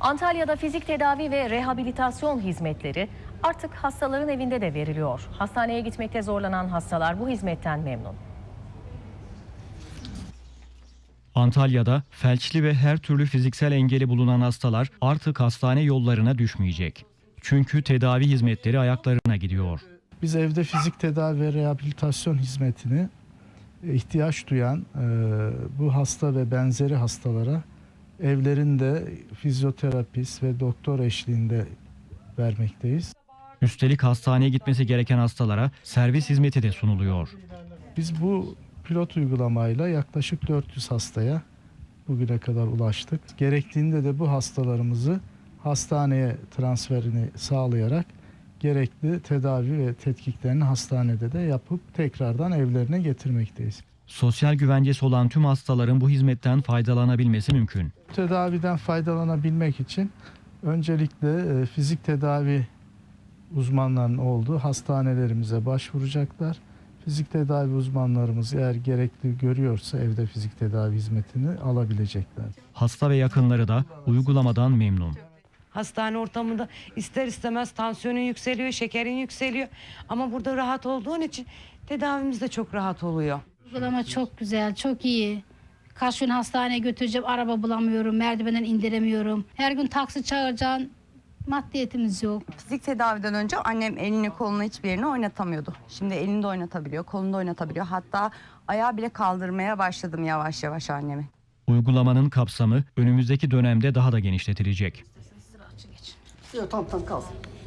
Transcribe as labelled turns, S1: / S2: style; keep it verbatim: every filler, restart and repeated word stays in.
S1: Antalya'da fizik tedavi ve rehabilitasyon hizmetleri artık hastaların evinde de veriliyor. Hastaneye gitmekte zorlanan hastalar bu hizmetten memnun.
S2: Antalya'da felçli ve her türlü fiziksel engeli bulunan hastalar artık hastane yollarına düşmeyecek. Çünkü tedavi hizmetleri ayaklarına gidiyor.
S3: Biz evde fizik tedavi ve rehabilitasyon hizmetini ihtiyaç duyan bu hasta ve benzeri hastalara evlerinde fizyoterapist ve doktor eşliğinde vermekteyiz.
S2: Üstelik hastaneye gitmesi gereken hastalara servis hizmeti de sunuluyor.
S3: Biz bu pilot uygulamayla yaklaşık dört yüz hastaya bugüne kadar ulaştık. Gerektiğinde de bu hastalarımızı hastaneye transferini sağlayarak gerekli tedavi ve tetkiklerini hastanede de yapıp tekrardan evlerine getirmekteyiz.
S2: Sosyal güvencesi olan tüm hastaların bu hizmetten faydalanabilmesi mümkün.
S3: Tedaviden faydalanabilmek için öncelikle fizik tedavi uzmanlarının olduğu hastanelerimize başvuracaklar. Fizik tedavi uzmanlarımız eğer gerekli görüyorsa evde fizik tedavi hizmetini alabilecekler.
S2: Hasta ve yakınları da uygulamadan memnun.
S4: Hastane ortamında ister istemez tansiyonun yükseliyor, şekerin yükseliyor. Ama burada rahat olduğun için tedavimiz de çok rahat oluyor.
S5: Uygulama çok güzel, çok iyi. Kaç gün hastaneye götüreceğim, araba bulamıyorum, merdivenden indiremiyorum. Her gün taksi çağıracağım, maddiyetimiz yok.
S6: Fizik tedaviden önce annem elini kolunu hiçbir yerini oynatamıyordu. Şimdi elini de oynatabiliyor, kolunu da oynatabiliyor. Hatta ayağı bile kaldırmaya başladım yavaş yavaş annemi.
S2: Uygulamanın kapsamı önümüzdeki dönemde daha da genişletilecek.
S7: Yok, tamam tamam kalsın.